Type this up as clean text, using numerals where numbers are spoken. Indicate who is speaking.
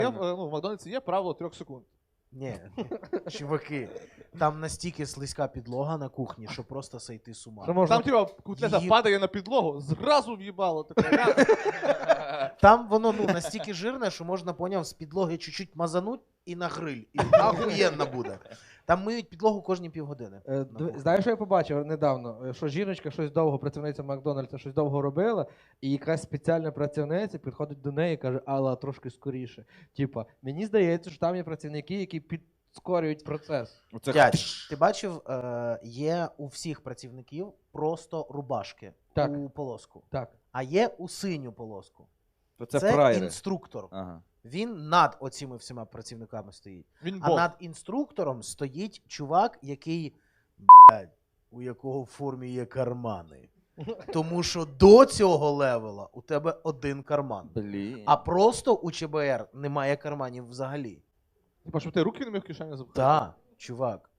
Speaker 1: В Макдональдсі є правило 3 секунд.
Speaker 2: Ні, чуваки, там настільки слизька підлога на кухні, що просто сойти з ума.
Speaker 3: Що можна...
Speaker 1: Там, котлета падає на підлогу, зразу в'їбало.
Speaker 2: Там воно настільки жирне, що можна, поняв, з підлоги чуть-чуть мазануть і на гриль. І ахуєнно буде. Там миють підлогу кожні півгодини.
Speaker 3: Знаєш, що я побачив недавно? Що жіночка щось довго, працівниця Макдональдса, щось довго робила, і якась спеціальна працівниця підходить до неї і каже: Алла, трошки скоріше. Типа, мені здається, що там є працівники, які підскорюють процес.
Speaker 2: Дядь, ти бачив, є у всіх працівників просто рубашки у полоску.
Speaker 3: Так.
Speaker 2: А є у синю полоску.
Speaker 4: Це
Speaker 2: інструктор.
Speaker 4: Ага.
Speaker 2: Він над оціми всіма працівниками стоїть.
Speaker 1: Він
Speaker 2: а над інструктором стоїть чувак, який, у якого в формі є кармани. Тому що до цього левела у тебе один карман.
Speaker 4: Блін.
Speaker 2: А просто у ЧБР немає карманів взагалі.
Speaker 1: Типа, щоб ти руки не міг в кишені запхати?
Speaker 2: Так, чувак.